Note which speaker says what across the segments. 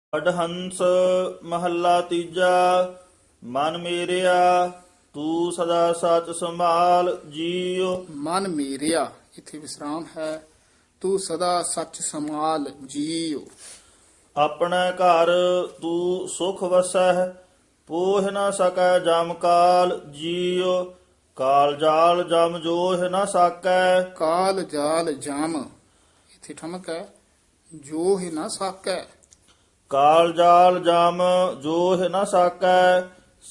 Speaker 1: ਅਡਹੰਸ ਮਹੱਲਾ ਤੀਜਾ। ਮਨ ਮੇਰਿਆ ਤੂੰ ਸਦਾ ਸੱਚ ਸੰਭਾਲ ਜੀਉ।
Speaker 2: ਮਨ ਮੇਰਿਆ ਇੱਥੇ ਵਿਸਰਾਮ ਹੈ। ਤੂੰ ਸਦਾ ਸੱਚ ਸਮਾਲ ਜੀਉ।
Speaker 1: ਆਪਣੇ ਘਰ ਤੂੰ ਸੁਖ ਵਸਹਿ, ਪੋਹ ਨ ਸਕੈ ਜਮ ਕਾਲ ਜੀਉ। ਕਾਲ ਜਾਲ ਜਮ ਜੋਹ ਨ ਸਾਕੈ।
Speaker 2: ਕਾਲ ਜਾਲ ਜਾਮ ਇੱਥੇ ਠਮਕ ਹੈ। ਜੋ ਹੀ ਨਾ ਸਾਕੈ।
Speaker 1: ਕਾਲ ਜਾਲ ਜਮ ਜੋਹ ਨ ਸਾਕੈ।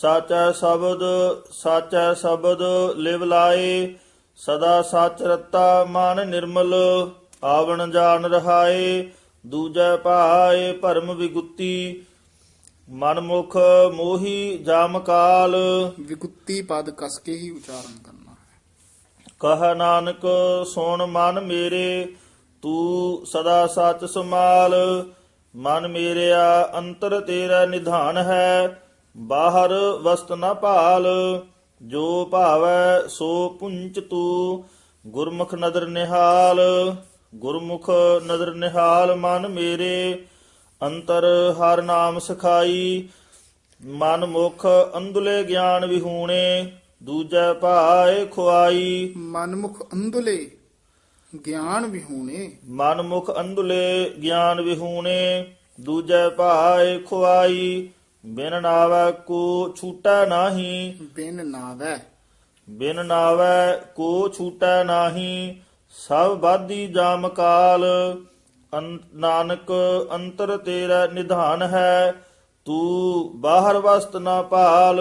Speaker 1: ਸਾਚੈ ਸ਼ਬਦ ਲਿਵ ਲਾਏ। ਸਦਾ ਸੱਚ ਰਤਾ ਮਨ ਨਿਰਮਲ। ਆਵਣ ਜਾਣ ਰਹਾਏ। ਦੂਜੈ ਭਾਏ ਭਰਮ ਵਿਗੁੱਤੀ। ਮਨ ਮੁਖ ਮੋਹੀ ਜਾਮ ਕਾਲ।
Speaker 2: ਵਿਗੁੱਤੀ ਪਦ ਕਸ ਕੇ ਹੀ ਉਚਾਰਨ ਕਰਨਾ ਹੈ।
Speaker 1: ਕਹ ਨਾਨਕ ਸੁਣ ਮਨ ਮੇਰੇ, ਤੂੰ ਸਦਾ ਸੱਚ ਸਮਾਲ। ਮਨ ਮੇਰਿਆ ਅੰਤਰ ਤੇਰਾ ਨਿਧਾਨ ਹੈ, ਬਾਹਰ ਵਸਤ ਨ ਭਾਲ। ਜੋ ਭਾਵੈ ਸੋ ਪੁੰਚ ਤੂੰ, ਗੁਰਮੁਖ ਨਦਰ ਨਿਹਾਲ। ਗੁਰਮੁਖ ਨਦਰ ਨਿਹਾਲ ਮਨ ਮੇਰੇ, ਅੰਤਰ ਹਰ ਨਾਮ ਸਿਖਾਈ। ਮਨ ਮੁਖ ਅੰਧਲੇ ਗਿਆਨ ਵਿਹੂਣੇ, ਦੂਜੈ ਭਾਏ ਖੁਆਈ।
Speaker 2: ਮਨਮੁਖ ਅੰਧਲੇ ਗਿਆਨ ਵਿਹੂਣੇ।
Speaker 1: ਮਨ ਮੁਖ ਅੰਧਲੇ ਗਿਆਨ ਵਿਹੂਣੇ, ਦੂਜੈ ਭਾਏ ਖੁਆਈ। ਬਿਨ ਨਾਵੈ ਕੋ ਛੂਟੈ ਨਾਹੀ।
Speaker 2: ਬਿਨ ਨਾਵੈ
Speaker 1: ਬਿਨ ਨਾਵੈ ਕੋ ਛੂਟੈ ਨਾਹੀ। ਸਭ ਬਾਧੀ ਜਾਮ ਕਾਲ। ਨਾਨਕ ਅੰਤਰ ਤੇਰਾ ਨਿਧਾਨ ਹੈ, ਤੂੰ ਬਾਹਰ ਵਸਤ ਨਾ ਭਾਲ।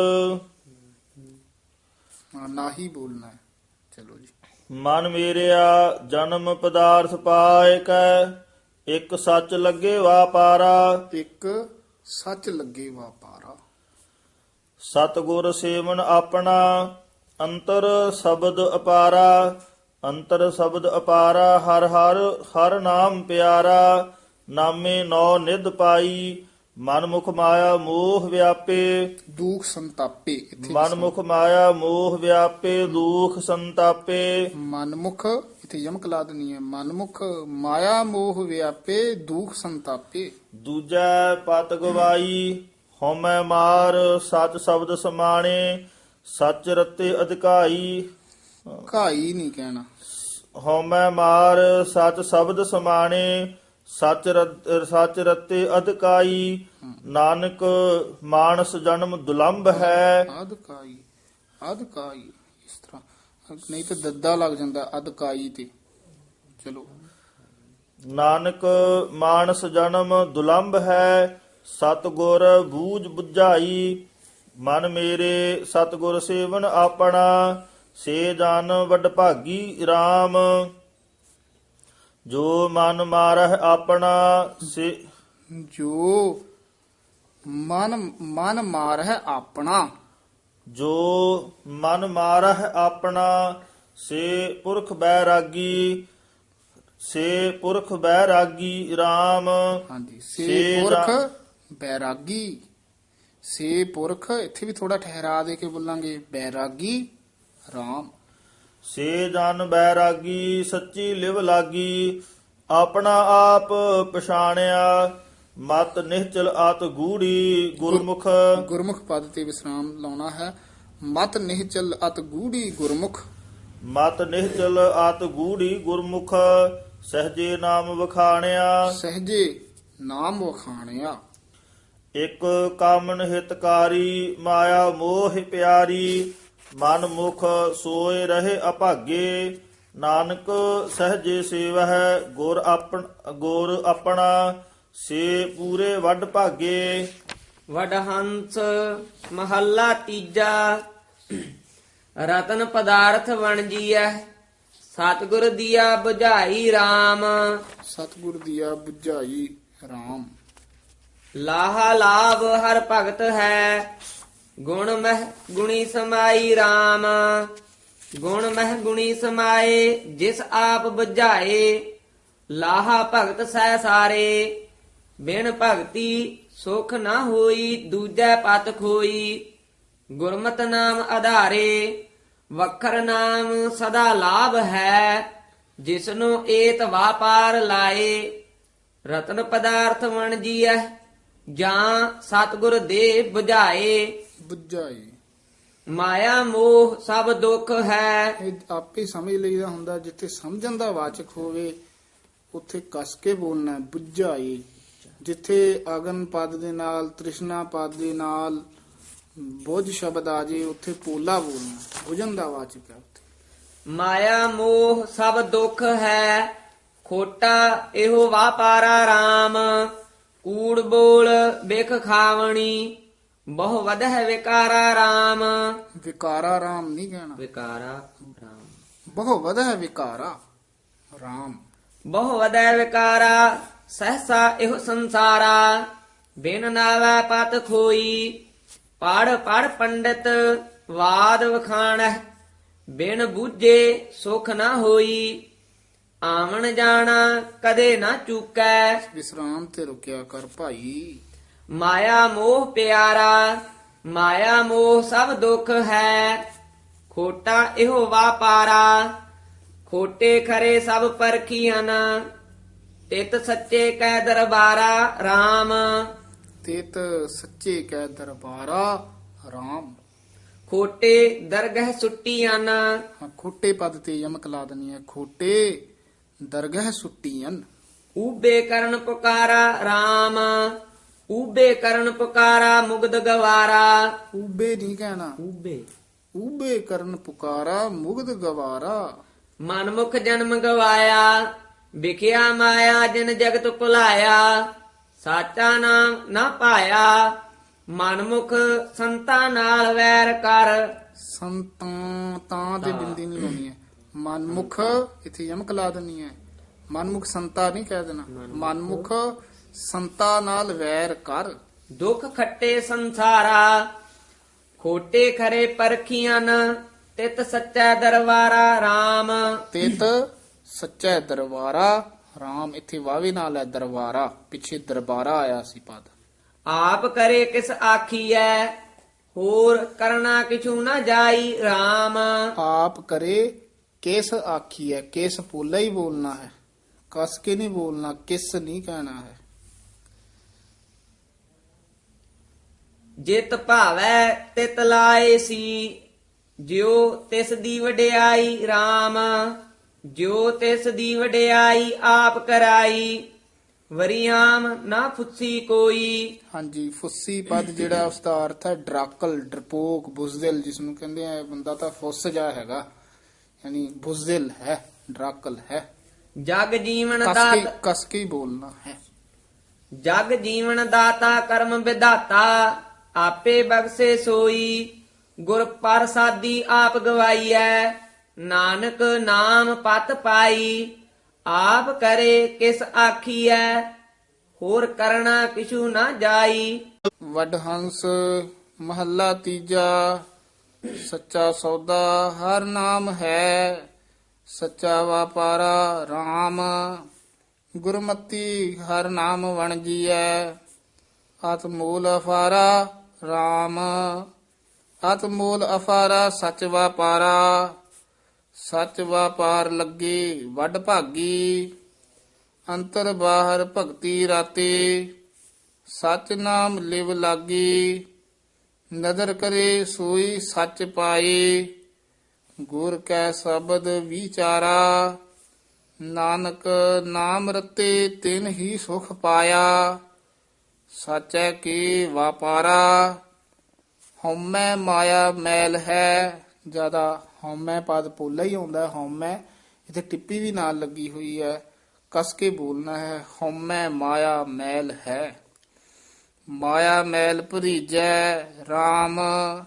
Speaker 2: ਨਾਹੀ ਬੋਲਣਾ ਹੈ। ਚਲੋ ਜੀ।
Speaker 1: ਮਨ ਮੇਰਿਆ ਜਨਮ ਪਦਾਰਥ ਪਾਇ ਕੈ, ਇੱਕ ਸੱਚ ਲੱਗੇ ਵਾਪਾਰਾ।
Speaker 2: ਇੱਕ ਸੱਚ ਲੱਗੇ ਵਾਪਾਰਾ।
Speaker 1: ਸਤਿਗੁਰ ਸੇਵਨ ਆਪਣਾ, ਅੰਤਰ ਸ਼ਬਦ ਅਪਾਰਾ। ਅੰਤਰ ਸ਼ਬਦ ਅਪਾਰਾ, ਹਰ ਹਰ ਹਰ ਨਾਮ ਪਿਆਰਾ। ਨਾਮੇ ਨੌ ਨਿਧ ਪਾਈ, ਮਨ ਮੁਖ ਮਾਇਆ ਮੋਹ ਵਿਆਪੇ।
Speaker 2: ਦੁਖ ਸੰਤਾਪੇ ਇੱਥੇ
Speaker 1: ਮਨ ਮੁਖ ਮਾਇਆ ਮੋਹ ਵਿਆਪੇ, ਦੁਖ ਸੰਤਾਪੇ।
Speaker 2: ਮਨਮੁਖ ਇੱਥੇ ਯਮਕ ਲਾ ਦੇਣੀ ਹੈ। ਮਨਮੁਖ ਮਾਇਆ ਮੋਹ ਵਿਆਪੇ, ਦੁਖ ਸੰਤਾਪੇ।
Speaker 1: ਦੂਜੈ ਪਤ ਗਵਾਈ, ਹਉਮੈ ਮਾਰ ਸਚ ਸ਼ਬਦ ਸਮਾਣੇ। ਸਚ ਰਤੇ ਅਧਿਕਾਈ।
Speaker 2: ਘਾਈ ਨਹੀਂ ਕਹਿਣਾ।
Speaker 1: ਹਉਮੈ ਮਾਰ ਸਚ ਸ਼ਬਦ ਸਮਾਣੇ। ਸਚ ਰਤੇ ਅਧਿਕਾਈ। ਨਾਨਕ ਮਾਨਸ ਜਨਮ ਦੁਲੰਭ ਹੈ।
Speaker 2: ਅਧਕਾਈ ਅਧਕਾਈ ਇਸ ਤਰ੍ਹਾਂ ਨਹੀਂ ਤਾਂ ਦੱਦਾ ਲੱਗ ਜਾਂਦਾ ਅਧਕਾਈ ਤੇ। ਚਲੋ।
Speaker 1: ਨਾਨਕ ਮਾਨਸ ਜਨਮ ਦੁਲੰਭ ਹੈ, ਸਤਿਗੁਰ ਬੂਝ ਬੁਝਾਈ। ਮਨ ਮੇਰੇ ਸਤਿਗੁਰ ਸੇਵਨ ਆਪਣਾ, ਸੇ ਜਨ ਵੱਡ ਭਾਗੀ RAM। ਜੋ ਮਨ ਮਾਰਹਿ ਆਪਣਾ ਸੇ।
Speaker 2: ਜੋ ਮਨ ਮਾਰ ਹੈ ਆਪਣਾ।
Speaker 1: ਜੋ ਮਨ ਮਾਰਹਿ ਆਪਣਾ, ਸੇ ਪੁਰਖ ਬੈਰਾਗੀ। ਸੇ ਪੁਰਖ ਬੈਰਾਗੀ RAM।
Speaker 2: ਹਾਂਜੀ। ਸੇ ਪੁਰਖ ਬੈਰਾਗੀ। ਸੇ ਪੁਰਖ ਇੱਥੇ ਵੀ ਥੋੜਾ ਠਹਿਰਾ ਦੇ ਕੇ ਬੋਲਾਂਗੇ। ਬੈਰਾਗੀ RAM।
Speaker 1: ਸੇ ਜਨ ਬੈਰਾਗੀ, ਸੱਚੀ ਲਿਵ ਲਾਗੀ। ਆਪਣਾ ਆਪ ਪਛਾਣਿਆ, ਮਤ ਨਿਹਚਲ ਆਤ ਗੂੜੀ। ਗੁਰਮੁਖ
Speaker 2: ਗੁਰਮੁਖ ਪਦ ਤੇ ਵਿਸਰਾਮ ਲਾਉਣਾ ਹੈ। ਮਤ ਨਿਹਚਲ ਅਤ ਗੂੜੀ ਗੁਰਮੁਖ।
Speaker 1: ਮਤ ਨਿਹਚਲ ਆਤ ਗੂੜੀ ਗੁਰਮੁਖ। ਸਹਜੇ ਨਾਮ ਵਖਾਣਿਆ।
Speaker 2: ਸਹਜੇ ਨਾਮ ਵਖਾਣਿਆ।
Speaker 1: ਇਕ ਕਾਮਨ ਹਿਤਕਾਰੀ, ਮਾਇਆ ਮੋਹ ਪਿਆਰੀ। ਮਨ ਮੁਖ ਸੋਏ ਰਹੇ ਅਭਾਗੇ। ਨਾਨਕ ਸਹਜੇ ਸੇਵਹਿ ਗੁਰ ਆਪਣਾ, ਸੇ ਪੂਰੇ ਵੱਡ ਭਾਗੇ।
Speaker 3: ਵਡਹੰਸ ਮਹੱਲਾ ਤੀਜਾ। ਰਤਨ ਪਦਾਰਥ ਵਣਜੀਐ, ਸਤਿਗੁਰ ਦੀਆ ਬੁਝਾਈ RAM।
Speaker 2: ਸਤਿਗੁਰ ਦੀਆ ਬੁਝਾਈ RAM।
Speaker 3: ਲਾਹਾ ਲਾਭ ਹਰ ਭਗਤ ਹੈ, ਗੁਣ ਮਹਿ ਗੁਣੀ ਸਮਾਈ RAM। ਗੁਣ ਮਹਿ ਗੁਣੀ ਸਮਾਏ, ਜਿਸ ਆਪ ਬੁਝਾਏ। ਲਾਹਾ ਭਗਤ ਸਹਿ ਸਾਰੇ, ਬਿਨ ਭਗਤੀ ਸੁਖ ਨਾ ਹੋਈ। ਦੂਜੈ ਪਤ ਖੋਈ, ਗੁਰਮਤਿ ਨਾਮ ਆਧਾਰੇ। ਵਖਰ ਨਾਮ ਸਦਾ ਲਾਭ ਹੈ, ਜਿਸਨੂੰ ਏਤ ਵਾਪਾਰ ਲਾਏ। ਰਤਨ ਪਦਾਰਥ ਵਣਜੀਐ, ਜਾਂ ਸਤਿਗੁਰ ਦੇ 부ਝਾਏ।
Speaker 2: ਬੁੱਝਾਏ
Speaker 3: ਮਾਇਆ ਮੋਹ ਸਭ ਦੁੱਖ ਹੈ।
Speaker 2: ਇਹ ਆਪੇ ਸਮਝ ਲਈਦਾ ਹੁੰਦਾ, ਜਿੱਥੇ ਸਮਝਣ ਦਾ ਵਾਚਕ ਹੋਵੇ ਉੱਥੇ ਕਸ ਕੇ ਬੋਲਣਾ ਹੈ, ਬੁੱਝਾਏ। ਜਿੱਥੇ ਅਗਨ ਪਦ ਦੇ ਨਾਲ, ਤ੍ਰਿਸ਼ਨਾ ਪਦ ਦੇ ਨਾਲ ਬੁੱਝ ਸ਼ਬਦ ਆ ਜੇ ਉੱਥੇ ਪੋਲਾ ਬੋਲਣਾ, ਬੁਝਣ ਦਾ ਵਾਚਕ ਹੈ ਉੱਥੇ।
Speaker 3: ਮਾਇਆ ਮੋਹ ਸਭ ਦੁੱਖ ਹੈ, ਖੋਟਾ ਇਹੋ ਵਾਪਾਰਾ RAM। ਕੂੜ ਬੋਲ ਬਿਖ ਖਾਵਣੀ, ਬਹੁ ਵਧਹਿ ਵਿਕਾਰਾ RAM।
Speaker 2: ਵਿਕਾਰਾ ਰਾਮ ਨਹੀਂ ਕਹਿਣਾ,
Speaker 3: ਵਿਕਾਰਾ RAM,
Speaker 2: ਬਹੁ ਵਧੈ ਵਿਕਾਰਾ ਰਾਮ।
Speaker 3: ਬਹੁ ਵਧਹਿ ਵਿਕਾਰਾ, ਸਹਸਾ ਇਹੋ ਸੰਸਾਰਾ। ਬਿਨ ਨਾਵੈ ਪਤ ਖੋਈ, ਪੜ ਪੜ ਪੰਡਿਤ ਵਾਦ ਵਖਾਣਹਿ। ਬਿਨ ਬੂਝੇ ਸੁਖ ਨਾ ਹੋਈ, ਆਵਣ ਜਾਣਾ ਕਦੇ ਨਾ ਚੂਕੈ।
Speaker 2: ਵਿਸਰਾਮ ਤੇ ਰੁਕਿਆ ਕਰ ਭਾਈ।
Speaker 3: ਮਾਇਆ ਮੋਹ ਪਿਆਰਾ, ਮਾਇਆ ਮੋਹ ਸਭ ਦੁੱਖ ਹੈ। ਖੋਟਾ ਇਹੋ ਵਾਪਾਰਾ, ਖੋਟੇ ਖਰੇ ਸਭ ਪਰਖੀਆਂ। ਤਿਤ ਸੱਚੇ ਕੈ ਦਰਬਾਰਾ RAM।
Speaker 2: ਤੇਤ ਸੱਚੇ ਕੈ ਦਰਬਾਰਾ ਰਾਮ।
Speaker 3: ਖੋਟੇ ਦਰਗਹ ਸੁੱਟੀਆਂ।
Speaker 2: ਹਾਂ, ਖੋਟੇ ਪਦ ਤੇ ਯਮਕ ਲਾ ਦੇਣੀ ਹੈ, ਖੋਟੇ ਦਰਗਹ ਸੁੱਟੀਆਂ।
Speaker 3: ਊਬੇ ਕਰਨ ਪੁਕਾਰਾ RAM। ਊਬੇ ਕਰਨ ਪੁਕਾਰਾ ਮੁਗਦ ਗਵਾਰਾ।
Speaker 2: ਊਬੇ ਨਹੀਂ ਕਹਿਣਾ,
Speaker 3: ਊਬੇ
Speaker 2: ਊਬੇ ਕਰਨ ਪੁਕਾਰਾ ਮੁਗਧ ਗਵਾਰਾ।
Speaker 3: ਮਨਮੁਖ ਜਨਮ ਗਵਾਇਆ, ਵਿਖਿਆ ਮਾਇਆ ਜਿਨ ਜਗਤ ਭੁਲਾਇਆ। ਸਾਚਾ ਨਾਮ ਨਾ ਪਾਇਆ, ਮਨਮੁਖ ਸੰਤਾਂ ਨਾਲ ਵੈਰ ਕਰ।
Speaker 2: ਸੰਤਾਂ ਤਾਂ ਦੇ ਬਿੰਦੀ ਨਹੀਂ ਲਾਉਣੀ ਹੈ, ਮਨਮੁਖ ਇੱਥੇ ਯਮਕ ਲਾ ਦੇਣੀ ਹੈ। ਮਨਮੁਖ ਸੰਤਾ ਨਹੀਂ ਕਹਿ ਦੇਣਾ, ਮਨਮੁਖ ਸੰਤਾ ਨਾਲ ਵੈਰ ਕਰ।
Speaker 3: ਦੁੱਖ ਖੱਟੇ ਸੰਸਾਰਾ, ਖੋਟੇ ਖਰੇ ਪਰਖੀਆਂ। ਤਿਤ ਸੱਚਾ ਦਰਬਾਰਾ RAM।
Speaker 2: ਤੇਤ ਸੱਚਾ ਦਰਬਾਰਾ ਰਾਮ। ਇੱਥੇ ਵਾਵੇ ਨਾਲ ਹੈ ਦਰਬਾਰਾ, ਪਿੱਛੇ ਦਰਬਾਰਾ ਆਇਆ ਸੀ ਪਦ।
Speaker 3: ਆਪ ਕਰੇ ਕਿਸ ਆਖੀਐ, ਹੋਰ ਕਰਨਾ ਕਿਛੂ ਨਾ ਜਾਈ RAM।
Speaker 2: ਆਪ ਕਰੇ ਕਿਸ ਆਖੀ ਹੈ, ਕਿਸ ਪੋਲਾ ਹੀ ਬੋਲਣਾ ਹੈ, ਕਸ ਕੇ ਨਹੀਂ ਬੋਲਣਾ, ਕਿਸ ਨਹੀਂ ਕਹਿਣਾ ਹੈ।
Speaker 3: ਜਿਤ ਭਾਵੈ ਤਿਤ ਲਾਏ ਸੀ, ਜਿਉ ਤਿਸ ਦੀ ਵਡਿਆਈ RAM। ਜਿਉ ਤਿਸ ਦੀ ਵਡਿਆਈ ਆਪ ਕਰਾਈ, ਵਰਿਆਮ ਨਾ ਫੁੱਸੀ ਕੋਈ।
Speaker 2: ਹਾਂਜੀ, ਫੁੱਸੀ ਪਦ ਜਿਹੜਾ ਉਸ ਦਾ ਅਰਥ ਹੈ ਡਰਾਕਲ, ਡਰਪੋਕ, ਬੁਜ਼ਦਿਲ, ਜਿਸ ਨੂੰ ਕਹਿੰਦੇ ਆ ਬੰਦਾ ਤਾਂ ਫੁੱਸ ਜਾ ਹੈਗਾ, ਯਾਨੀ ਬੁਜ਼ਦਿਲ ਹੈ, ਡਰਾਕਲ ਹੈ।
Speaker 3: ਜਗ ਜੀਵਨ
Speaker 2: ਕਸ ਕੇ ਹੀ ਬੋਲਣਾ ਹੈ।
Speaker 3: ਜਗ ਜੀਵਨ ਦਾਤਾ ਕਰਮ ਵਿਧਾਤਾ, ਆਪੇ ਬਖਸ਼ੇ ਸੋਈ। ਗੁਰ ਪ੍ਰਸਾਦੀ ਆਪ ਗਵਾਈਐ, ਨਾਨਕ ਨਾਮ ਪਤ ਪਾਈ। ਆਪ ਕਰੇ ਕਿਸ ਆਖੀਐ, ਹੋਰ ਕਰਨਾ ਕਿਛੂ ਨਾ ਜਾਈ।
Speaker 2: ਵਡਹੰਸ ਮਹੱਲਾ ਤੀਜਾ। ਸੱਚਾ ਸੌਦਾ ਹਰ ਨਾਮ ਹੈ, ਸੱਚਾ ਵਾਪਾਰਾ RAM। ਗੁਰਮਤੀ ਹਰ ਨਾਮ ਵਣਜੀਐ, ਆਤਮੂਲ ਅਫਾਰਾ RAM। ਆਤਮੂਲ ਅਫਾਰਾ ਸੱਚ ਵਾਪਾਰਾ, ਸੱਚ ਵਾਪਾਰ ਲੱਗੇ ਵੱਡ ਭਾਗੀ। ਅੰਤਰ ਬਾਹਰ ਭਗਤੀ ਰਾਤੇ, ਸੱਚ ਨਾਮ ਲਿਵ ਲਾਗੀ। ਨਦਰ ਕਰੇ ਸੋਈ ਸੱਚ ਪਾਏ, ਗੁਰ ਕੈ ਸ਼ਬਦ ਵਿਚਾਰਾ। ਨਾਨਕ ਨਾਮ ਰਤੇ ਤਿਨ ਹੀ ਸੁਖ ਪਾਇਆ, ਸਾਚੈ ਕੀ ਵਾਪਾਰਾ। ਹਉਮੈ ਮਾਇਆ ਮੈਲ ਹੈ, ਜਿਆਦਾ ਹਉਮੈ ਪਦ ਪੋਲਾ ਹੀ ਆਉਂਦਾ ਹੈ, ਹਉਮੈ ਇੱਥੇ ਟਿੱਪੀ ਵੀ ਨਾਲ ਲੱਗੀ ਹੋਈ ਹੈ, ਕਸ ਕੇ ਬੋਲਣਾ ਹੈ। ਹਉਮੈ ਮਾਇਆ ਮੈਲ ਹੈ, ਮਾਇਆ ਮੈਲ ਭਰੀਜੈ RAM।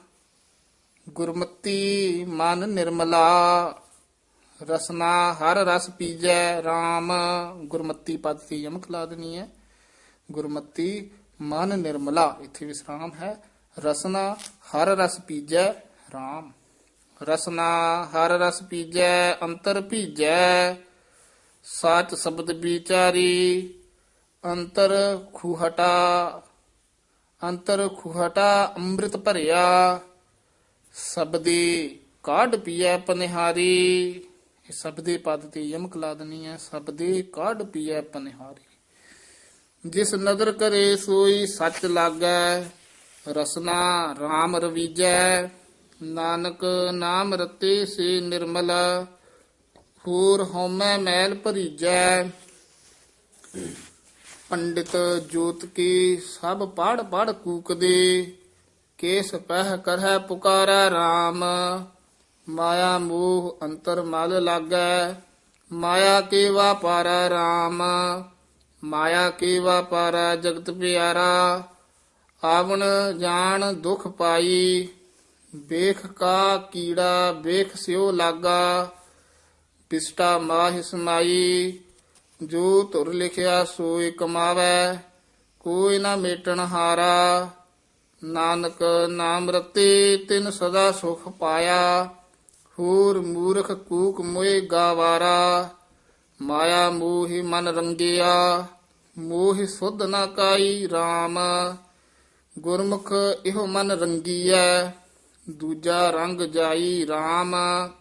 Speaker 2: ਗੁਰਮਤੀ ਮਨ ਨਿਰਮਲਾ, ਰਸਨਾ ਹਰ ਰਸ ਪੀਜੈ RAM। ਗੁਰਮਤੀ ਪਦ ਤੇ ਯਮਕ ਲਾ ਦੇਣੀ ਹੈ। ਗੁਰਮਤੀ ਮਨ ਨਿਰਮਲਾ, ਇੱਥੇ ਵਿਸਰਾਮ ਹੈ। ਰਸਨਾ ਹਰ ਰਸ ਪੀਜੈ RAM। ਰਸਨਾ ਹਰ ਰਸ ਪੀਜੈ, ਅੰਤਰ ਭੀਜੈ। ਸਾਚ ਸ਼ਬਦ ਵਿਚਾਰੀ, ਅੰਤਰ ਖੂਹਟਾ। ਅੰਤਰ ਖੂਹਟਾ ਅੰਮ੍ਰਿਤ ਭਰਿਆ, ਸਬਦੀ ਕਾਢ ਪੀਐ ਪਨਿਹਾਰੀ। ਇਹ ਸਬਦੇ ਪਦ ਤੇ ਯਮਕ ਲਾ ਦੇਣੀ ਹੈ। ਸਬਦੇ ਕਾਢ ਪੀਐ ਪਨਿਹਾਰੀ। ਜਿਸ ਨਦਰ ਕਰੇ ਸੋਈ ਸੱਚ ਲਾਗੈ, ਰਸਨਾ RAM ਰਵੀਜੈ। ਨਾਨਕ ਨਾਮ ਰਤੇ ਸੇ ਨਿਰਮਲ, ਹੋਰ ਹਉਮੈ ਮੈਲ ਭਰੀਜੈ। ਪੰਡਿਤ ਜੋਤ ਕੀ ਸਭ ਪੜ ਪੜ ਕੂਕਦੇ, ਕੇਸ ਪਹਿ ਕਰਹਿ ਪੁਕਾਰੈ RAM। ਮਾਇਆ ਮੋਹ ਅੰਤਰ ਮਲ ਲਾਗੈ, ਮਾਇਆ ਕੇ ਵਾਪਾਰੈ RAM। ਮਾਇਆ ਕੇ ਵਾਪਾਰੈ ਜਗਤ ਪਿਆਰਾ, ਆਵਣ ਜਾਣ ਦੁਖ ਪਾਈ। ਵੇਖ ਕਾ ਕੀੜਾ ਵੇਖ ਸਿਓ ਲਾਗਾ, ਪਿਸਟਾ ਮਾਹਿ ਸਮਾਈ। ਜੋ ਧੁਰ ਲਿਖਿਆ ਸੋਈ ਕਮਾਵੈ, ਕੋਈ ਨਾ ਮੇਟਣ ਹਾਰਾ। ਨਾਨਕ ਨਾਮ ਰਤੇ ਤਿਨ ਸਦਾ ਸੁਖ ਪਾਇਆ, ਹੋਰ ਮੂਰਖ ਕੂਕ ਮੋਏ ਗਾਵਾਰਾ। ਮਾਇਆ ਮੋਹਿ ਮਨ ਰੰਗਿਆ, ਮੋਹਿ ਸੁਧ ਨਾ ਕਾਈ RAM। ਗੁਰਮੁਖ ਇਹੋ ਮਨ ਰੰਗੀਐ, ਦੂਜਾ ਰੰਗ ਜਾਈ RAM।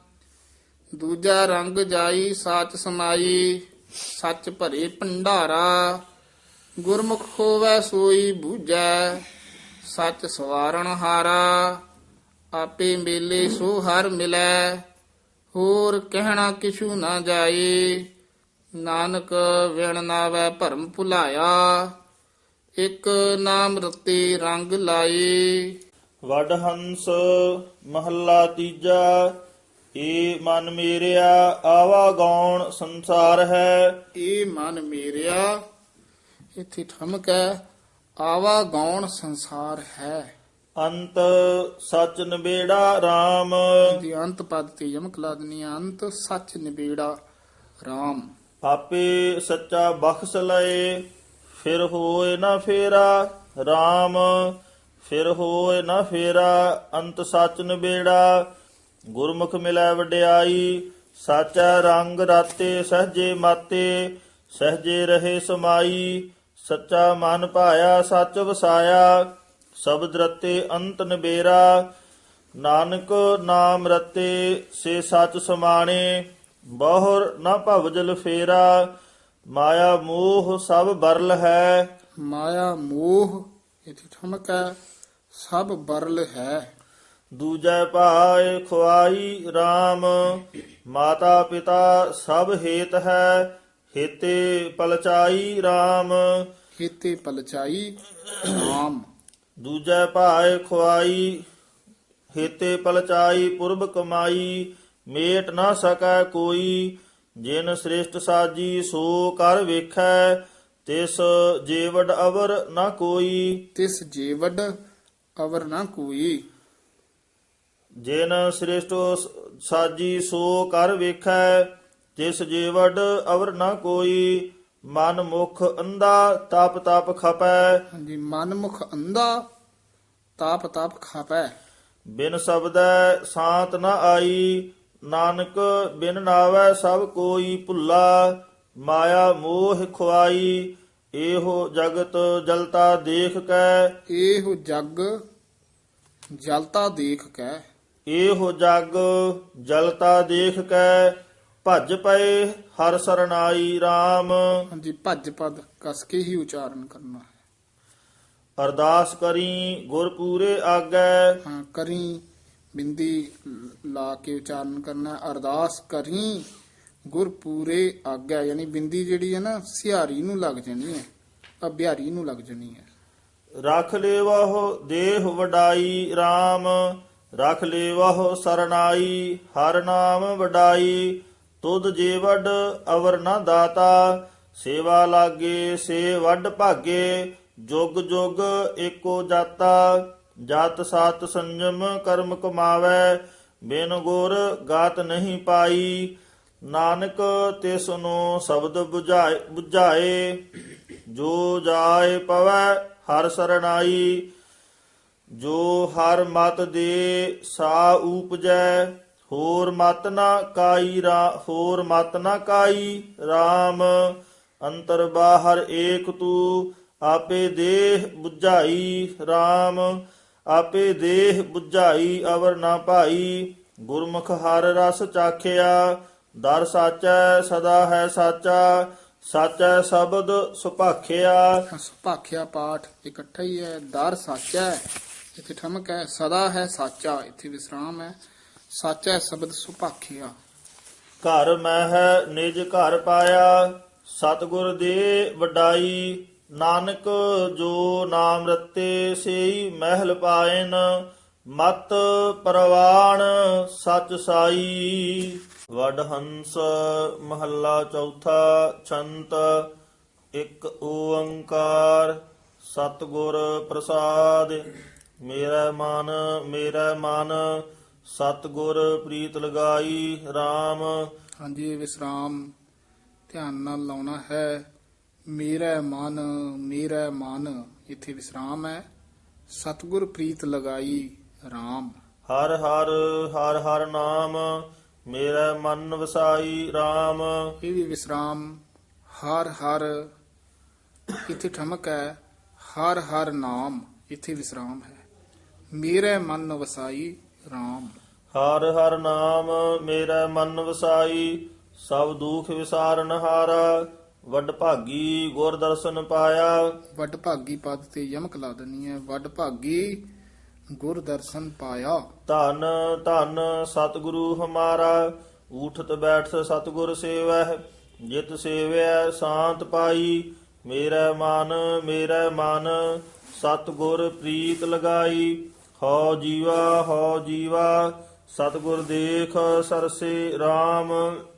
Speaker 2: ਦੂਜਾ ਰੰਗ ਜਾਈ ਸਾਚ ਸਮਾਈ, ਸੱਚ ਭਰੇ ਭੰਡਾਰਾ। ਗੁਰਮੁਖ ਹੋਵੈ ਸੋਈ ਬੂਝੈ, ਸੱਚ ਸਵਾਰਣ ਹਾਰਾ। ਆਪੇ ਮੇਲੇ ਸੋ ਹਰ ਮਿਲੈ, ਹੋਰ ਕਹਿਣਾ ਕਿਛੂ ਨਾ ਜਾਏ। ਨਾਨਕ ਵਿਣ ਨਾਵੈ ਭਰਮ ਭੁਲਾਇਆ, ਇਕ ਨਾਮ ਰਤੇ ਰੰਗ ਲਾਏ।
Speaker 1: ਵਡ ਹੰਸ ਮਹੱਲਾ ਤੀਜਾ। ਏ ਮਨ ਮੇਰਿਆ ਆਵਾ ਗੌਣ ਸੰਸਾਰ ਹੈ।
Speaker 2: ਇਹ ਮਨ ਮੇਰਿਆ, ਇੱਥੇ ਠਮਕ ਹੈ, ਆਵਾ ਗੌਣ ਸੰਸਾਰ ਹੈ।
Speaker 1: ਅੰਤ ਸਚ ਨਿਬੇੜਾ RAM।
Speaker 2: ਦੀ ਅੰਤ ਪਦ ਤੇ ਯਮਕ ਲਾ ਦੇਣੀ ਹੈ, ਅੰਤ ਸੱਚ ਨਿਬੇੜਾ RAM।
Speaker 1: ਆਪੇ ਸੱਚਾ ਬਖਸ਼ ਲਏ, ਫਿਰ ਹੋਏ ਨਾ ਫੇਰਾ RAM। ਫਿਰ ਹੋਏ ਨਾ ਫੇਰਾ, ਅੰਤ ਸਚ ਨਿਬੇੜਾ। ਗੁਰਮੁਖ ਮਿਲੈ ਵਡਿਆਈ, ਸਾਚਾ ਰੰਗ ਰਾਤੇ ਸਹਜੇ ਮਾਤੇ। ਸਹਜੇ ਰਹੇ ਸਮਾਈ, ਸੱਚਾ ਮਨ ਭਾਇਆ ਸੱਚ ਵਸਾਇਆ। ਸ਼ਬਦ ਰਤੇ ਅੰਤ ਨਿਬੇਰਾ, ਨਾਨਕ ਨਾਮ ਰਤੇ ਸੇ ਸਚ ਸਮਾਣੇ। ਬਹੁਰ ਨਾ ਭਵਜਲ ਫੇਰਾ, ਮਾਇਆ ਮੋਹ ਸਭ ਬਰਲ ਹੈ।
Speaker 2: ਮਾਇਆ ਮੋਹ, ਇੱਥੇ ਠਮਕ ਹੈ, ਸਭ ਬਰਲ ਹੈ।
Speaker 1: ਦੂਜੈ ਭਾਇ ਖੁਆਈ RAM। ਮਾਤਾ ਪਿਤਾ ਸਭ ਹੇਤ ਹੈ, ਹੇਤੇ ਪਲਚਾਈ RAM।
Speaker 2: ਹੇਤੇ ਪਲਚਾਈ RAM।
Speaker 1: ਦੂਜੈ ਭਾਇ ਖੁਆਈ, ਹੇਤੇ ਪਲਚਾਈ ਪੁਰਬ ਕਮਾਈ। ਮੇਟ ਨਾ ਸਕੈ ਕੋਈ, ਜਿਨ ਸ੍ਰਿਸ਼ਟ ਸਾਜੀ ਸੋ ਕਰ ਵੇਖੈ। ਤਿਸ ਜੀਵੜ ਅਵਰ ਨਾ ਕੋਈ।
Speaker 2: ਤਿਸ ਜੀਵੜ ਅਵਰ ਨਾ ਕੋਈ।
Speaker 1: ਜਿਨ ਸ੍ਰਿਸ਼ਟ ਸਾਜੀ ਸੋ ਕਰ ਵੇਖੈ। ਤਿਸ ਜੀਵੜ ਅਵਰ ਨਾ ਕੋਈ। ਮਨ ਮੁਖ ਅੰਧਾ ਤਪ ਤਪ ਖਪੈ।
Speaker 2: ਹਾਂਜੀ, ਮਨ ਮੁਖ ਅੰਧਾ ਤਾਪ ਤਾਪ ਖਾਪੈ।
Speaker 1: ਬਿਨ ਸ਼ਬਦੈ ਸਾਤ ਨ ਆਈ, ਨਾਨਕ ਬਿਨ ਨਾਵੈ ਸਭ ਕੋਈ ਭੁੱਲਾ। ਮਾਇਆ ਮੋਹ ਖੁਆਈ, ਇਹੋ ਜਗਤ ਜਲਤਾ ਦੇਖ ਕੈ।
Speaker 2: ਇਹੋ ਜਗ ਜਲਤਾ ਦੇਖ ਕੈ।
Speaker 1: ਇਹੋ ਜਗ ਜਲਤਾ ਦੇਖ ਕੈ। ਭਜ ਪਏ ਹਰ ਸਰਨਾਈ RAM।
Speaker 2: ਹਾਂਜੀ, ਭੱਜ ਪਦ ਕਸ ਕੇ ਹੀ ਉਚਾਰਨ ਕਰਨਾ ਹੈ।
Speaker 1: ਅਰਦਾਸ ਕਰੀ ਗੁਰ ਪੂਰੇ ਆਗੈ।
Speaker 2: ਹਾਂ, ਕਰੀ ਬਿੰਦੀ ਲਾ ਕੇ ਉਚਾਰਨ ਕਰਨਾ ਹੈ। ਅਰਦਾਸ ਕਰੀ ਗੁਰ ਪੂਰੇ ਆਗਿਆ, ਯਾਨੀ ਬਿੰਦੀ ਜਿਹੜੀ ਹੈ ਨਾ ਸਿਹਾਰੀ ਨੂੰ ਲੱਗ ਜਾਣੀ ਹੈ, ਅਭਿਆਰੀ ਨੂੰ ਲੱਗ ਜਾਣੀ ਹੈ।
Speaker 1: ਰਖ ਲੇਵਹੁ ਦੇਹ ਵਡਾਈ RAM। ਰਖ ਲੇਵਹੁ ਸਰਨਾਈ, ਹਰ ਨਾਮ ਵਡਾਈ। ਤੁਧ ਜੇ ਵੱਡ ਅਵਰ ਨਾ ਦਾਤਾ, ਸੇਵਾ ਲਾਗੇ ਸੇ ਵੱਡ ਭਾਗੇ। ਜੁਗ ਜੁਗ ਏਕੋ ਜਾਤਾ, ਜਤ ਸਤ ਸੰਜਮ ਕਰਮ ਕਮਾਵੈ। ਬਿਨ ਗੁਰ ਗਾਤ ਨਹੀਂ ਪਾਈ, ਨਾਨਕ ਤਿਸ ਨੂੰ ਸ਼ਬਦ ਬੁਝਾਏ। ਜੋ ਜਾਏ ਪਵੈ ਹਰ ਸਰਨਾਈ, ਜੋ ਹਰ ਮਤ ਦੇ ਸਾ ਊਪਜੈ। ਹੋਰ ਮਤ ਨਾ ਕਾਈ ਹੋਰ ਮਤ ਨਾ ਕਾਈ RAM। ਅੰਤਰ ਬਾਹਰ ਏਕ ਤੂ, ਆਪੇ ਦੇਹ 부ਝਾਈ RAM। ਆਪੇ ਦੇਹ 부ਝਾਈ ਅਵਰ ਨਾ ਭਾਈ। ਗੁਰਮੁਖ ਹਰ ਰਸ ਚਾਖਿਆ, ਦਰ ਸਾਚੈ ਸਦਾ ਹੈ ਸਾਚਾ। ਸਾਚੈ ਸ਼ਬਦ ਸੁਭਾਖਿਆ।
Speaker 2: ਸੁਭਾਖਿਆ ਪਾਠ ਇਕੱਠਾ ਹੀ ਹੈ। ਦਰ ਸਾਚਾ ਹੈ, ਇੱਥੇ ਠਮਕ ਹੈ। ਸਦਾ ਹੈ ਸਾਚਾ, ਇੱਥੇ ਵਿਸਰਾਮ ਹੈ। ਸਾਚਾ ਸ਼ਬਦ ਸੁਭਾਖਿਆ।
Speaker 1: ਘਰ ਮਹਿ ਨਿਜ ਘਰ ਪਾਇਆ, ਸਤਿਗੁਰ ਦੇ ਵਡਾਈ। ਨਾਨਕ ਜੋ ਨਾਮ ਰਤੇ, ਸੇਈ ਮਹਿਲ ਪਾਇਨ। ਮਤ ਪਰਵਾਣ ਸਚ ਸਾਈ। ਵਡ ਹੰਸ ਮਹੱਲਾ ਚੌਥਾ। ਛੰਤ ਇੱਕ ਓੰਕਾਰ ਸਤਿਗੁਰ ਪ੍ਰਸਾਦ। ਮੇਰਾ ਮਨ ਸਤਿਗੁਰ ਪ੍ਰੀਤ ਲਗਾਈ। RAM।
Speaker 2: ਹਾਂਜੀ, ਇਹ ਵਿਸਰਾਮ ਧਿਆਨ ਨਾਲ ਲਾਉਣਾ ਹੈ। ਮੇਰਾ ਮਨ ਇੱਥੇ ਵਿਸਰਾਮ ਹੈ। ਸਤਿਗੁਰ ਪ੍ਰੀਤ ਲਗਾਈ। RAM।
Speaker 1: ਹਰ ਹਰ ਨਾਮ ਮੇਰਾ ਮਨ ਵਸਾਈ। RAM।
Speaker 2: ਇਹ ਵੀ ਵਿਸਰਾਮ। ਹਰ ਇੱਥੇ ਠਮਕ ਹੈ। ਹਰ ਨਾਮ ਇੱਥੇ ਵਿਸਰਾਮ ਹੈ। ਮੇਰੇ ਮਨ ਵਸਾਈ। RAM।
Speaker 1: ਹਰ ਨਾਮ ਮੇਰਾ ਮਨ ਵਸਾਈ। ਸਭ ਦੁਖ ਵਿਸਾਰਨ ਹਾਰਾ। ਵੱਡ ਭਾਗੀ ਗੁਰ ਦਰਸ਼ਨ ਪਾਇਆ।
Speaker 2: ਵੱਡ ਭਾਗੀ ਪਦ ਤੇ ਯਮਕ ਲਾ ਦੇਣੀ ਹੈ। ਵੱਡ ਭਾਗੀ ਗੁਰ ਦਰਸ਼ਨ ਪਾਇਆ।
Speaker 1: ਧੰਨ ਧੰਨ ਸਤਿਗੁਰੂ ਹਮਾਰਾ। ਊਠਤ ਬੈਠ ਸਤਿਗੁਰ ਸੇਵਹਿ। ਜਿਤ ਸੇਵਿਆ ਸ਼ਾਂਤ ਪਾਈ। ਮੇਰਾ ਮਨ ਸਤਿਗੁਰ ਪ੍ਰੀਤ ਲਗਾਈ। ਹਉ ਜੀਵਾ ਸਤਿਗੁਰ ਦੇਖ ਸਰਸੇ। RAM।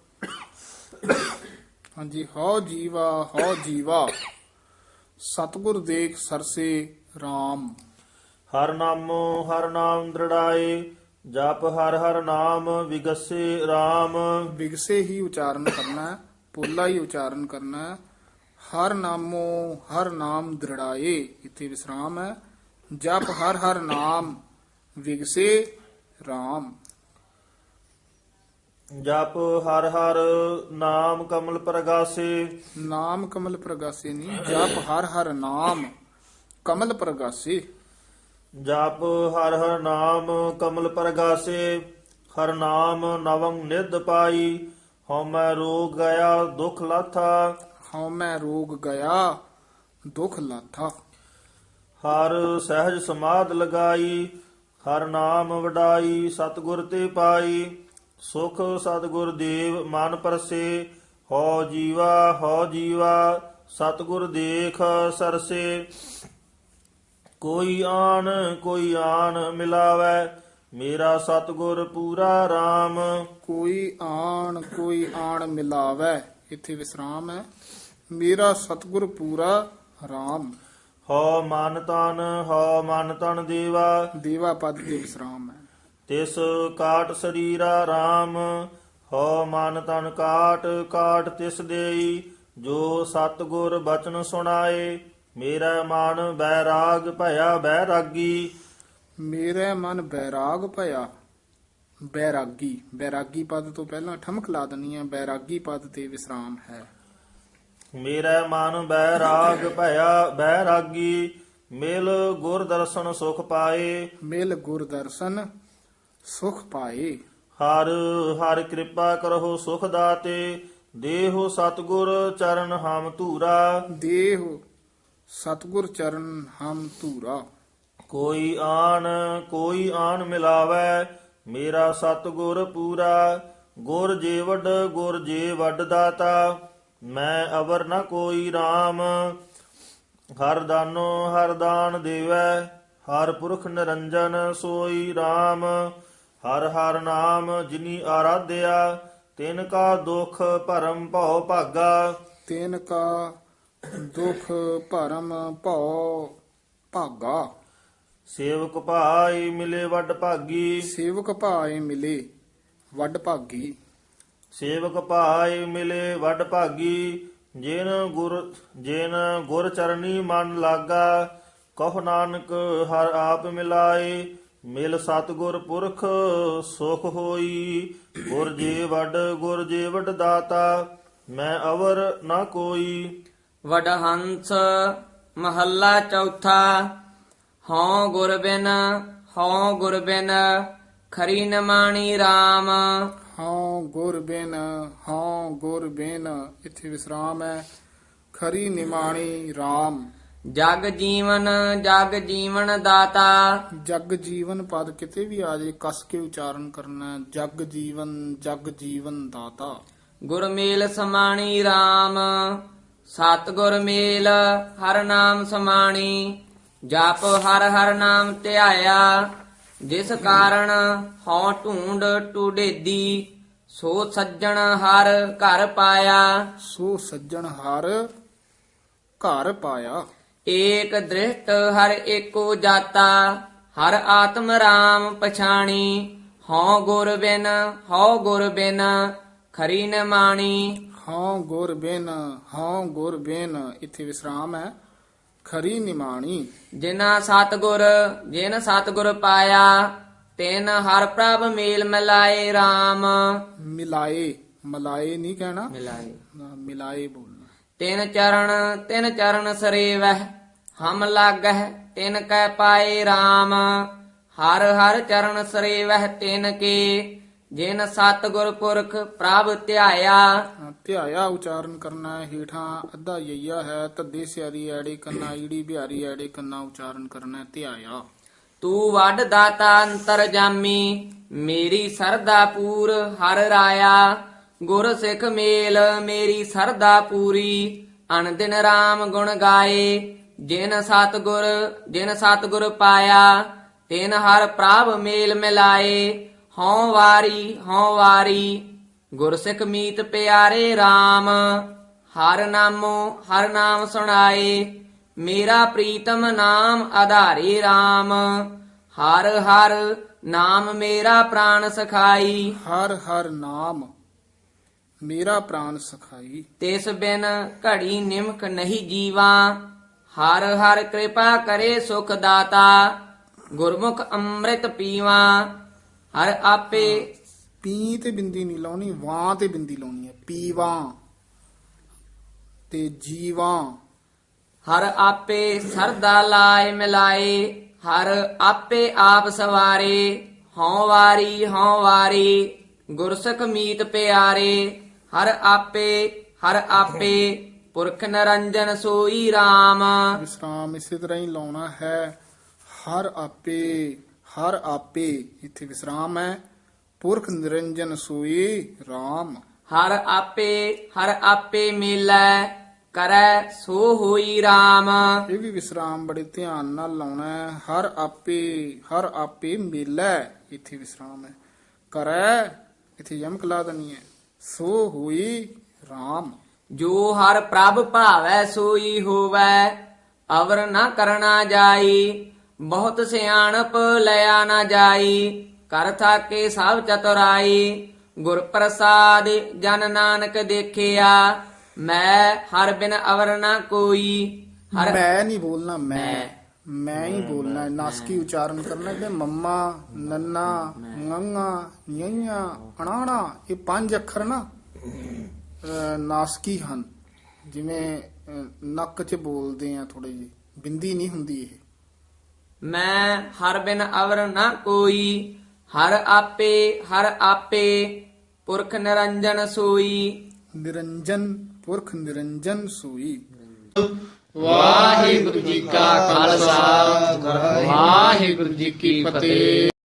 Speaker 2: ਹਾਂਜੀ, ਹਉ ਜੀਵਾ ਸਤਿਗੁਰ ਦੇਖ ਸਰਸੇ। RAM।
Speaker 1: ਹਰ ਨਾਮ ਦ੍ਰਿੜਾਏ। ਜਪ ਹਰ ਨਾਮ ਵਿਗਸੇ। RAM।
Speaker 2: ਵਿਗਸੇ ਹੀ ਉਚਾਰਨ ਕਰਨਾ ਹੈ, ਪੋਲਾ ਹੀ ਉਚਾਰਨ ਕਰਨਾ ਹੈ। ਹਰ ਨਾਮ ਦ੍ਰਿੜਾਏ, ਇੱਥੇ ਵਿਸਰਾਮ ਹੈ। ਜਪ ਹਰ ਨਾਮ ਵਿਗਸੇ। RAM।
Speaker 1: ਜਪ ਹਰ ਨਾਮ ਕਮਲ ਪ੍ਰਗਾਸੇ।
Speaker 2: ਨਾਮ ਕਮਲ ਪ੍ਰਗਾਸੇ ਨਹੀਂ, ਜਪ ਹਰ ਨਾਮ ਕਮਲ ਪ੍ਰਗਾਸੇ।
Speaker 1: ਜਪ ਹਰ ਨਾਮ ਕਮਲ ਪ੍ਰਗਾਸੇ। ਹਰ ਨਾਮ ਨਵੰ ਨਿਧ ਪਾਈ। ਹਉਮੈ ਰੋਗ ਗਿਆ ਦੁਖ ਲਾਥਾ।
Speaker 2: ਹਉਮੈ ਰੋਗ ਗਿਆ ਦੁਖ ਲਾਥਾ।
Speaker 1: ਹਰ ਸਹਿਜ ਸਮਾਧ ਲਗਾਈ। ਹਰ ਨਾਮ ਵਡਾਈ ਸਤਿਗੁਰ ਤੇ ਪਾਈ। ਸੁਖ ਸਤਿਗੁਰ ਦੇਵ ਮਨ ਪਰਸੇ। ਹਉ ਜੀਵਾ ਸਤਿਗੁਰ ਦੇਖ ਸਰਸੇ। ਕੋਈ ਆਣ ਮਿਲਾਵੈ। ਮੇਰਾ ਸਤਿਗੁਰ ਪੂਰਾ। RAM।
Speaker 2: ਕੋਈ ਆਣ ਮਿਲਾਵੈ, ਇੱਥੇ ਵਿਸਰਾਮ ਹੈ। ਮੇਰਾ ਸਤਿਗੁਰ ਪੂਰਾ। RAM।
Speaker 1: ਹਉ ਮਨ ਤਨ
Speaker 2: ਦੇਵਾ ਪਦ ਤੇ ਵਿਸਰਾਮ ਹੈ।
Speaker 1: ਤਿਸ ਕਾਟ ਸਰੀਰਾ। RAM। ਹਉ ਮਨ ਤਨ ਕਾਟ ਤਿਸ ਦੇਈ। ਜੋ ਸਤਿਗੁਰ ਬਚਨ ਸੁਣਾਏ। ਮੇਰਾ ਮਨ ਬੈਰਾਗ ਭਇਆ ਬੈਰਾਗੀ।
Speaker 2: ਮੇਰੇ ਮਨ ਬੈਰਾਗ ਭਇਆ ਬੈਰਾਗੀ ਪਦ ਤੋਂ ਪਹਿਲਾਂ ਠਮਕ ਲਾ ਦੇਣੀ ਹੈ। ਬੈਰਾਗੀ ਪਦ ਤੇ ਵਿਸਰਾਮ ਹੈ।
Speaker 1: ਮੇਰਾ ਮਨ ਬੈਰਾਗ ਭਇਆ ਬੈਰਾਗੀ। ਮਿਲ ਗੁਰ ਦਰਸ਼ਨ ਸੁਖ ਪਾਏ।
Speaker 2: ਮਿਲ ਗੁਰ ਦਰਸ਼ਨ ਸੁਖ ਪਾਏ।
Speaker 1: ਹਰ ਕਿਰਪਾ ਕਰੋ ਸੁਖ ਦਾਤੇ। ਦੇਹੋ ਸਤਿਗੁਰ ਚਰਨ ਹਮ ਧੂਰਾ।
Speaker 2: ਦੇਹ ਸਤਿਗੁਰ ਚਰਨ ਹਮ ਧੂਰਾ।
Speaker 1: ਕੋਈ ਆਣ ਮਿਲਾਵੈ। ਮੇਰਾ ਸਤਿਗੁਰ ਪੂਰਾ। ਗੁਰ ਜੇ ਵੱਡ ਦਾਤਾ। ਮੈਂ ਅਵਰ ਨ ਕੋਈ। RAM। ਹਰ ਦਾਨ ਦੇਵੈ। ਹਰ ਪੁਰਖ ਨਿਰੰਜਨ ਸੋਈ। RAM। ਹਰ ਨਾਮ ਜਿਨੀ ਆਰਾਧਿਆ। ਤਿਨ ਕਾ ਦੁਖ ਭਰਮ ਭਉ ਭਾਗਾ।
Speaker 2: ਤਿਨ ਕਾ ਦੁਖ ਭਰਮ ਭਉ ਭਾਗਾ।
Speaker 1: ਸੇਵਕ ਭਾਈ ਮਿਲੇ ਵੱਡ ਭਾਗੀ।
Speaker 2: ਸੇਵਕ ਭਾਏ ਮਿਲੇ ਵੱਡ ਭਾਗੀ।
Speaker 1: ਸੇਵਕ ਭਾਈ ਮਿਲੇ ਵੱਡ ਭਾਗੀ। ਜਿਨ ਗੁਰ ਚਰਨੀ ਮਨ ਲਾਗਾ। ਕਹੁ ਨਾਨਕ ਹਰ ਆਪ ਮਿਲਾਏ। ਮਿਲ ਸਤਿਗੁਰ ਪੁਰਖ ਸੁਖ ਹੋਈ। ਗੁਰ ਜੇ ਵੱਡ ਦਾਤਾ। ਮੈਂ ਅਵਰ ਨਾ ਕੋਈ।
Speaker 3: ਵਡਹੰਸ ਮਹੱਲਾ ਚੌਥਾ। ਹਉ ਗੁਰ ਬਿਨ ਖਰੀ ਨ ਮਾਣੀ। RAM।
Speaker 2: ਹਉ ਗੁਰ ਬਿਨ, ਹਉ ਗੁਰ ਬਿਨ, ਇੱਥੇ ਵਿਸਰਾਮ ਹੈ। ਖਰੀ ਨਿਮਾਣੀ RAM।
Speaker 3: ਜਗ ਜੀਵਨ ਦਾਤਾ।
Speaker 2: ਜਗ ਜੀਵਨ ਪਦ ਕਿਤੇ ਵੀ ਆ ਜਾਏ ਕਸ ਕੇ ਉਚਾਰਨ ਕਰਨਾ ਹੈ। ਜਗ ਜੀਵਨ ਦਾਤਾ।
Speaker 3: ਗੁਰ ਮੇਲ ਸਮਾਣੀ RAM। ਸਤ ਗੁਰ ਮੇਲ ਹਰ ਨਾਮ ਸਮਾਣੀ। ਜਪ ਹਰ ਹਰ ਨਾਮ ਧਿਆਇਆ। ਜਿਸ ਕਾਰਨ ਹਉ ਢੂੰਡ ਟੁਡੇਦੀ। ਸੋ ਸੱਜਣ ਹਰ ਘਰ ਪਾਇਆ।
Speaker 2: ਸੋ ਸੱਜਣ ਹਰ ਘਰ ਪਾਇਆ।
Speaker 3: ਏਕ ਦ੍ਰਿਸ਼ਟ ਹਰ ਏਕੋ ਜਾਤਾ। ਹਰ ਆਤਮ ਰਾਮ ਪਛਾਣੀ। ਹਉ ਗੁਰ ਬਿਨ ਖਰੀ ਨ ਮਾਣੀ।
Speaker 2: ਹਉ ਗੁਰ ਬਿਨ, ਇੱਥੇ ਵਿਸਰਾਮ ਹੈ। ਖਰੀ ਨਿਮਾਣੀ।
Speaker 3: ਜਿਨ ਸਤਿਗੁਰ ਪਾਇਆ। ਤਿਨ ਹਰ ਪ੍ਰਭ ਮੇਲ ਮਿਲਾਏ RAM।
Speaker 2: ਮਲਾਏ ਨਹੀਂ ਕਹਿਣਾ,
Speaker 3: ਮਿਲਾਏ
Speaker 2: ਮਿਲਾਏ ਬੋਲਣਾ।
Speaker 3: ਤਿਨ ਚਰਨ ਸਰੇਵਹਿ ਹਮ ਲਾਗਹਿ। ਤਿਨ ਕੈ ਪਾਏ RAM। ਹਰ ਹਰ ਚਰਨ ਸਰੇਵਹਿ ਤਿਨ ਕੇ। ਜਿਨ ਸਤਿਗੁਰ ਪੁਰਖ ਪ੍ਰਭ ਧਿਆਇਆ।
Speaker 2: ਧਿਆਇਆ ਉਚਾਰਨ ਕਰਨਾ ਹੈ। ਹੇਠਾਂ ਅੱਧਾ ਯਈਆ ਹੈ। ਧੱਦੇ ਸਿਆਰੀ ਐੜੇ ਕੰਨਾ, ਈੜੀ ਬਿਹਾਰੀ ਐੜੇ ਕੰਨਾ ਉਚਾਰਨ ਕਰਨਾ ਹੈ। ਧਿਆਇਆ।
Speaker 3: ਤੂੰ ਵੱਡ ਦਾਤਾ ਅੰਤਰ ਜਾਮੀ। ਮੇਰੀ ਸਰਦਾ ਪੂਰ ਹਰ ਰਾਇਆ। ਗੁਰ ਸਿੱਖ ਮੇਲ ਮੇਰੀ ਸਰਦਾ ਪੂਰੀ। ਅਨਦਿਨ RAM ਗੁਣ ਗਾਏ। ਜਿਨ ਸਤਿਗੁਰ ਪਾਇਆ। ਤਿਨ ਹਰ ਪ੍ਰਭ ਮੇਲ ਮਿਲਾਏ। ਹਉ ਵਾਰੀ ਗੁਰਸਿੱਖ ਮੀਤ ਪਿਆਰੇ RAM। ਹਰ ਨਾਮ ਸੁਣਾਏ। ਮੇਰਾ ਪ੍ਰੀਤਮ ਨਾਮ ਆਧਾਰੇ RAM। ਹਰ ਨਾਮ ਮੇਰਾ ਪ੍ਰਾਣ ਸਖਾਈ।
Speaker 2: ਹਰ ਨਾਮ ਮੇਰਾ ਪ੍ਰਾਣ ਸਖਾਈ।
Speaker 3: ਤਿਸ ਬਿਨ ਘੜੀ ਨਿਮਕ ਨਹੀਂ ਜੀਵਾ। ਹਰ ਕਿਰਪਾ ਕਰੇ ਸੁਖ ਦਾਤਾ। ਗੁਰਮੁਖ ਅੰਮ੍ਰਿਤ ਪੀਵਾ। ਹਰ ਆਪੇ
Speaker 2: ਪੀ ਤੇ ਬਿੰਦੀ ਨਹੀਂ ਲਾਉਣੀ, ਵਾਂ ਤੇ ਬਿੰਦੀ ਲਾਉਣੀ ਹੈ। ਪੀਵਾਂ ਤੇ ਜੀਵਾਂ।
Speaker 3: ਹਰ ਆਪੇ ਸਰਦਾ ਲਾਇ ਮਿਲਾਏ। ਹਰ ਆਪੇ ਆਪ ਸਵਾਰੇ। ਹਉ ਵਾਰੀ ਗੁਰਸਿੱਖ ਮੀਤ ਪਿਆਰੇ। ਹਰ ਆਪੇ ਪੁਰਖ ਨਿਰੰਜਨ ਸੋਈ RAM।
Speaker 2: ਵਿਸਰਾਮ ਇਸੇ ਤਰ੍ਹਾਂ ਹੀ ਲਾਉਣਾ ਹੈ। ਹਰ ਆਪੇ ਇੱਥੇ ਵਿਸਰਾਮ ਹੈ। ਪੁਰਖ ਨਿਰੰਜਨ ਸੋਈ RAM।
Speaker 3: ਹਰ ਆਪੇ ਮੇਲੈ ਕਰੈ ਸੋ ਹੋਈ RAM।
Speaker 2: ਇਹ ਵੀ ਵਿਸਰਾਮ ਬੜੇ ਧਿਆਨ ਨਾਲ ਲਾਉਣਾ ਹੈ। ਹਰ ਆਪੇ ਮੇਲਾ, ਇੱਥੇ ਵਿਸਰਾਮ ਹੈ। ਕਰੈ, ਇੱਥੇ ਯਮਕ ਲਾ ਦੇਣੀ ਹੈ। ਸੋ ਹੋਈ RAM।
Speaker 3: ਜੋ ਹਰ ਪ੍ਰਭ ਭਾਵੈ ਸੋਈ ਹੋਵੈ। ਅਵਰ ਨਾ ਕਰਨਾ ਜਾਈ। ਬਹੁਤ ਸਿਆਣਪ ਲਿਆ ਨਾ ਜਾਈ। ਕਰ ਥਾਕੇ ਸਭ ਚਤੁਰਾਈ। ਗੁਰ ਪ੍ਰਸਾਦ ਜਨ ਨਾਨਕ ਦੇਖਿਆ। ਮੈਂ ਹਰ ਬਿਨ ਅਵਰ ਨਾ ਕੋਈ।
Speaker 2: ਮੈਂ ਨਹੀਂ ਬੋਲਣਾ, ਮੈਂ ਹੀ ਬੋਲਣਾ। ਨਾਸਕੀ ਉਚਾਰਨ ਕਰਨਾ ਕਿ ਮੰਮਾ, ਨੰਨਾ, ngੰਗਾ, ਯਈਆਂ, ਅਣਾਣਾ, ਇਹ 5 ਅੱਖਰ ਨਾ ਨਾਸਕੀ ਹਨ। ਜਿਵੇਂ ਨੱਕ 'ਚ ਬੋਲਦੇ ਆ ਥੋੜੇ ਜਿਹੇ, ਬਿੰਦੀ ਨਹੀਂ ਹੁੰਦੀ ਇਹ।
Speaker 3: ਮੈਂ ਹਰ ਬਿਨ ਅਵਰ ਨਾ ਕੋਈ। ਹਰ ਆਪੇ ਪੁਰਖ ਨਿਰੰਜਨ ਸੋਈ।
Speaker 2: ਨਿਰੰਜਨ ਪੁਰਖ ਨਿਰੰਜਨ ਸੋਈ।
Speaker 4: ਵਾਹਿਗੁਰੂ ਜੀ ਕਾ ਖਾਲਸਾ ਵਾਹਿਗੁਰੂ ਜੀ ਕੀ ਫਤਿਹ।